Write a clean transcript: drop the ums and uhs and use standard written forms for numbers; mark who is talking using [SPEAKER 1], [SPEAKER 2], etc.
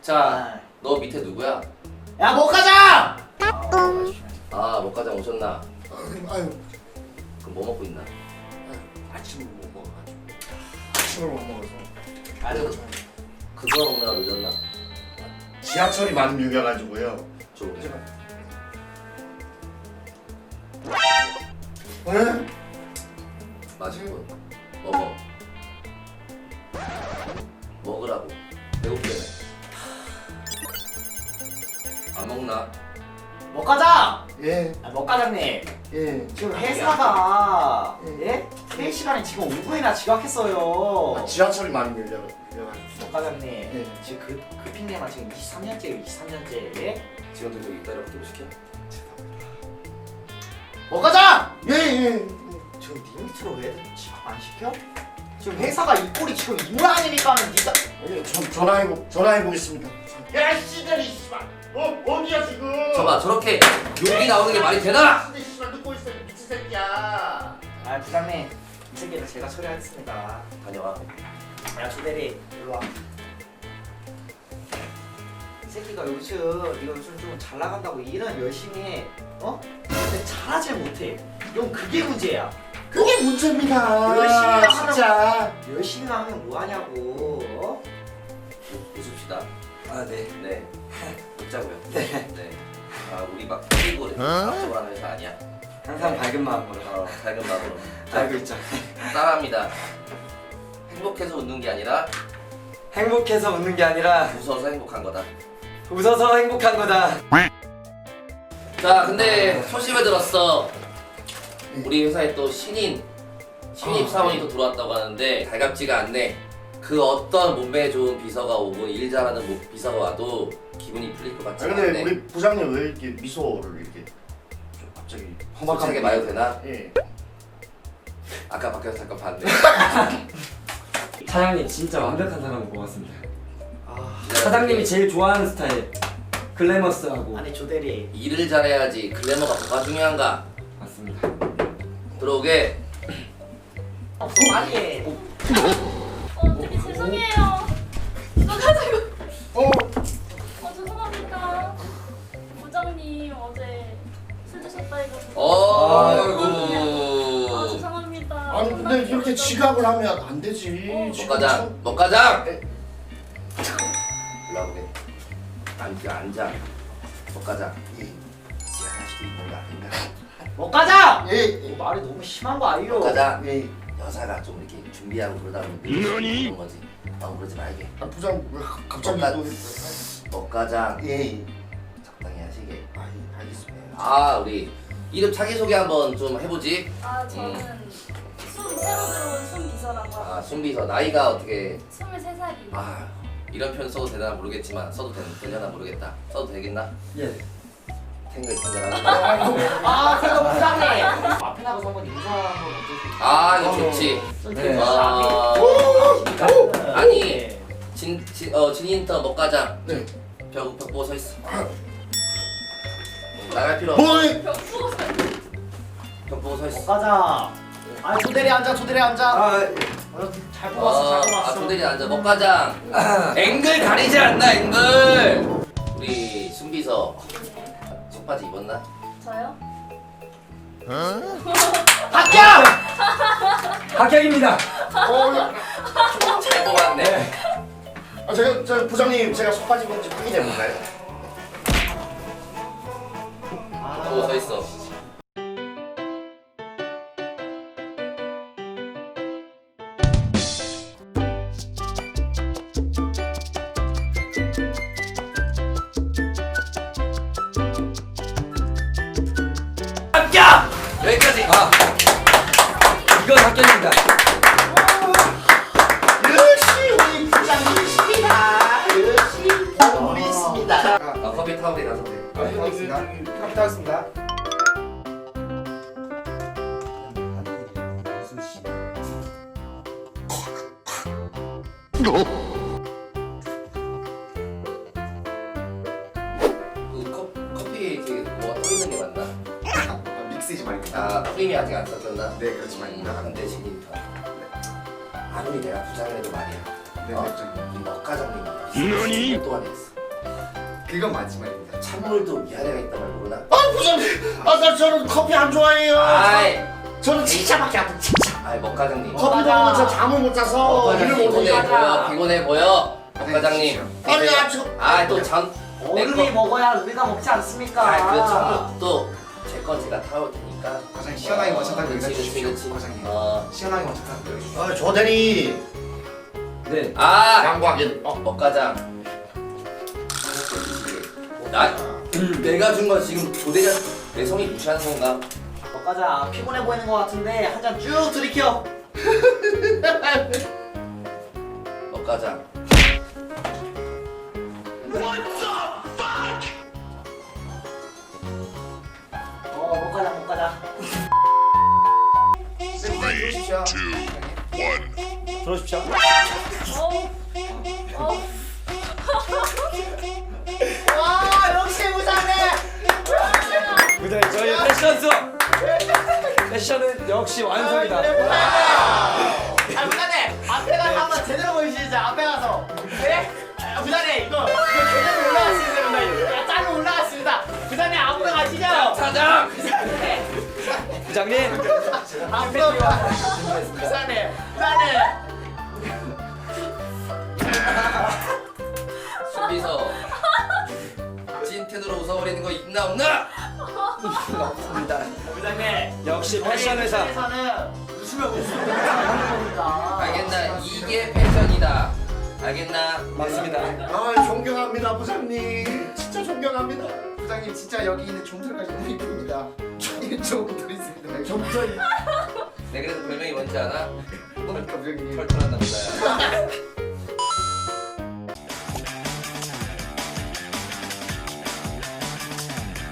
[SPEAKER 1] 자, 너 밑에 누구야?
[SPEAKER 2] 야 먹가자!
[SPEAKER 1] 아, 먹가장 오셨나?
[SPEAKER 3] 아유,
[SPEAKER 1] 그럼 뭐 먹고 있나?
[SPEAKER 3] 아침을 못 먹어가지고. 아침을 못 먹어서.
[SPEAKER 2] 아유
[SPEAKER 1] 그거 먹느라 늦었나?
[SPEAKER 3] 지하철이 많이 밀려가지고요.
[SPEAKER 1] 좀
[SPEAKER 3] 네?
[SPEAKER 1] 맛있고 먹어. 먹으라고. 배고프네. 안 먹나?
[SPEAKER 2] 먹가자!
[SPEAKER 3] 예,
[SPEAKER 2] 먹가장님
[SPEAKER 3] 예.
[SPEAKER 2] 지금 회사가
[SPEAKER 3] 예.
[SPEAKER 2] 예? 회의 시간에 지금 5분이나 지각했어요.
[SPEAKER 3] 지하철이 많이 밀려가지고.
[SPEAKER 2] 먹가장님
[SPEAKER 3] 예.
[SPEAKER 2] 지금 그 핑계만 지금 23년째예요 23년째 예?
[SPEAKER 1] 지금도 저기 이따리고 좀 시켜?
[SPEAKER 2] 먹가자!
[SPEAKER 3] 예, 예.
[SPEAKER 2] 지금 니 밑으로 왜 지각 안 시켜? 지금 회사가 이 꼴이 지금 이 모양이니까는 니가
[SPEAKER 3] 예. 전화해보겠습니다. 야, 씨들이 씨발. 어디야 지금?
[SPEAKER 1] 저봐, 저렇게 욕이 나오는 게 말이 되나?
[SPEAKER 3] 근데 씨발 듣고 있어, 이 미친 새끼야.
[SPEAKER 2] 아 부장님 이 새끼는 제가 처리하겠습니다.
[SPEAKER 1] 다녀와.
[SPEAKER 2] 야 조대리 일로 와. 이 새끼가 요즘 이거 좀 잘 나간다고 일은 열심히 해. 어? 근데 잘하질 못해. 넌 그게 문제야.
[SPEAKER 3] 그게 문제입니다.
[SPEAKER 2] 열심히 하는
[SPEAKER 3] 진짜.
[SPEAKER 2] 열심히 하면 뭐하냐고. 어?
[SPEAKER 1] 웃읍시다.
[SPEAKER 4] 아, 네.
[SPEAKER 1] 네. 웃자고요.
[SPEAKER 4] 네.
[SPEAKER 1] 네. 아, 우리 막 끼고 앞쪽으로 하는 회사 아니야.
[SPEAKER 4] 항상 밝은 마음으로
[SPEAKER 1] 밝은 마음으로.
[SPEAKER 4] 알고 있죠.
[SPEAKER 1] 따라합니다. 행복해서 웃는 게 아니라
[SPEAKER 4] 행복해서 웃는 게 아니라
[SPEAKER 1] 웃어서 행복한 거다.
[SPEAKER 4] 웃어서 행복한 거다.
[SPEAKER 1] 자, 근데 소식을 들었어. 우리 회사에 또 신입 사원이 또 들어왔다고 하는데 달갑지가 않네. 그 어떤 몸매에 좋은 비서가 오고 일 잘하는 비서가 와도 기분이 풀릴 것 같지
[SPEAKER 3] 아,
[SPEAKER 1] 않네.
[SPEAKER 3] 근데 우리 부장님 왜 이렇게 미소를 이렇게 좀 갑자기
[SPEAKER 1] 솔직하게 말해도 되나?
[SPEAKER 3] 예.
[SPEAKER 1] 아까 밖에서 잠깐 봤네.
[SPEAKER 4] 사장님 진짜 완벽한 사람을 뽑았습니다.
[SPEAKER 2] 아
[SPEAKER 4] 사장님이 제일 좋아하는 스타일 글래머스하고
[SPEAKER 2] 아니 조대리
[SPEAKER 1] 일을 잘해야지 글래머가 뭐가 중요한가?
[SPEAKER 4] 맞습니다.
[SPEAKER 1] 들어오게.
[SPEAKER 2] 빨리 해.
[SPEAKER 5] 되게 죄송해요. 나가지고.
[SPEAKER 3] 어,
[SPEAKER 5] 죄송합니다. 부장님 어제 술 드셨다 해가지고.
[SPEAKER 1] 어이구.
[SPEAKER 5] 죄송합니다.
[SPEAKER 3] 아니 근데 이렇게 지각을 하면 안 되지.
[SPEAKER 1] 먹가장, 먹가장. 올라오게. 앉아. 먹가장.
[SPEAKER 3] 지각할 수도 있는 거 아닌가?
[SPEAKER 2] 먹가자!
[SPEAKER 3] 예,
[SPEAKER 2] 말이 너무 심한 거 아니요?
[SPEAKER 1] 먹가장.
[SPEAKER 3] 예.
[SPEAKER 1] 여자가 좀 이렇게 준비하고 그러다 보면 그런 거지. 너무 그러지 말게.
[SPEAKER 3] 아, 부장 왜 갑자기
[SPEAKER 1] 먹가-
[SPEAKER 3] 또
[SPEAKER 1] 먹가장.
[SPEAKER 3] 예.
[SPEAKER 1] 적당히 하시게.
[SPEAKER 3] 아, 예, 알겠습니다.
[SPEAKER 1] 아, 우리 이름 자기소개 한번 좀 해보지.
[SPEAKER 5] 저는 새로 들어온 순비서라고
[SPEAKER 1] 아,
[SPEAKER 5] 하고
[SPEAKER 1] 순비서. 나이가 어떻게.
[SPEAKER 5] 23살이에요.
[SPEAKER 1] 아, 이런 표현 써도 되나 모르겠지만 써도 되려나 모르겠다. 써도 되겠나?
[SPEAKER 4] 예.
[SPEAKER 1] 탱글탱글하고.
[SPEAKER 2] 아 그래도 부장님 앞에 나가서 한번 인사 한번 어떠세요?
[SPEAKER 1] 아, 이거 좋지.
[SPEAKER 4] 네.
[SPEAKER 1] 아니, 진인터 먹가장.
[SPEAKER 3] 네.
[SPEAKER 1] 벽 보고 서 있어. 나갈 필요 없어.
[SPEAKER 3] 뭐해?
[SPEAKER 5] 벽 보고
[SPEAKER 1] 벽 보고 서 있어.
[SPEAKER 2] 먹가자 아 조대리 앉아 조대리 앉아
[SPEAKER 4] 아,
[SPEAKER 2] 잘 뽑았어 잘 뽑았어
[SPEAKER 1] 조대리 앉아. 먹가장. 앵글 가리지 않나, 앵글. 우리 순비서 속바지 입었나?
[SPEAKER 5] 저요?
[SPEAKER 2] 합격!
[SPEAKER 4] 합격입니다.
[SPEAKER 1] 잘 뽑았네.
[SPEAKER 3] 아, 저 부장님 제가 속바지 입은지 확인해 볼까요?
[SPEAKER 1] 보고 서 있어.
[SPEAKER 2] 합격!
[SPEAKER 1] 여기까지.
[SPEAKER 4] 이건 합격입니다.
[SPEAKER 3] 역시 우리 부장님이십니다. 역시 보물이 있습니다.
[SPEAKER 1] 커피 타고 가서 돼.
[SPEAKER 3] 알겠습니다.
[SPEAKER 2] 갑니다 하겠습니다
[SPEAKER 1] 그 커피 이렇게 뭐가 떠 있는 게 맞나?
[SPEAKER 3] 아, 믹스지 말입니다.
[SPEAKER 1] 아, 프림이 아직 안 썼었나?
[SPEAKER 3] 네, 그렇지만입니다.
[SPEAKER 1] 근데 신입 아무리 내가 부장이라도 말이야.
[SPEAKER 3] 네,
[SPEAKER 1] 어?
[SPEAKER 3] 네,
[SPEAKER 1] 이 먹가장님이 10년 동안 했어.
[SPEAKER 3] 그건 마지막입니다.
[SPEAKER 1] 찬물도 위아래가 있단 말 모르나?
[SPEAKER 3] 부장님, 저는 커피 안 좋아해요.
[SPEAKER 1] 아이,
[SPEAKER 3] 저는 칭찬밖에 안 돼. 칭찬.
[SPEAKER 1] 아이 먹 과장님.
[SPEAKER 3] 커피 먹으면 저 잠을 못 자서 일을 못
[SPEAKER 1] 피곤해
[SPEAKER 3] 해요.
[SPEAKER 1] 보여, 피곤해 보여. 먹 과장님.
[SPEAKER 3] 아니, 아주.
[SPEAKER 1] 아또잠
[SPEAKER 2] 어른이 먹어야 우리가 먹지 않습니까?
[SPEAKER 1] 그 찬물 또제 건 제가 타올 테니까.
[SPEAKER 3] 과장님 시원하게 마셨다고
[SPEAKER 1] 그치,
[SPEAKER 3] 얘기해 주십시오.
[SPEAKER 1] 그치.
[SPEAKER 3] 과장님.
[SPEAKER 1] 어.
[SPEAKER 3] 시원하게 마셨다고 얘기해 주십시오. 조 대리.
[SPEAKER 4] 네.
[SPEAKER 1] 아,
[SPEAKER 3] 양보하긴.
[SPEAKER 1] 먹 과장. 나 내가 준 거 지금 조대가 내 성이 무시하는 건가?
[SPEAKER 2] 먹가자. 피곤해 보이는 것 같은데 한 잔 쭉 들이켜.
[SPEAKER 1] 먹 과장.
[SPEAKER 2] 먹가자 먹가자.
[SPEAKER 3] 주십시오.
[SPEAKER 2] 들어주십시오. 와 역시 부장님.
[SPEAKER 4] 부장님 저희 패션 수업. 패션은 역시 완성이다.
[SPEAKER 2] 아 부장님 앞에 가서 한번 제대로 보여주시죠. 앞에 가서. 네? 부장님 이거 제대로 올라갔습니다. 야 짤로 올라갔습니다. 부장님 앞으로 가시죠.
[SPEAKER 1] 사장.
[SPEAKER 4] 부장님.
[SPEAKER 2] 앞으로 가. 부장님 부장님.
[SPEAKER 1] 준비서 찐텐으로 웃어버리는 거 있나 없나? 없습니다.
[SPEAKER 2] 부장님
[SPEAKER 4] 역시 패션 회사.
[SPEAKER 2] 회사는 웃으면 웃으면 하는 겁니다.
[SPEAKER 1] 알겠나? 이게 패션이다. 알겠나?
[SPEAKER 4] 맞습니다.
[SPEAKER 3] 아, 존경합니다, 부장님. 진짜 존경합니다. 부장님 진짜 여기 있는 좀들까지 너무 이쁩니다. 좀들 있습니다. 좀들.
[SPEAKER 1] 내 그래서 별명이 뭔지 알아?
[SPEAKER 3] 부장님.
[SPEAKER 1] 털털한 남자야.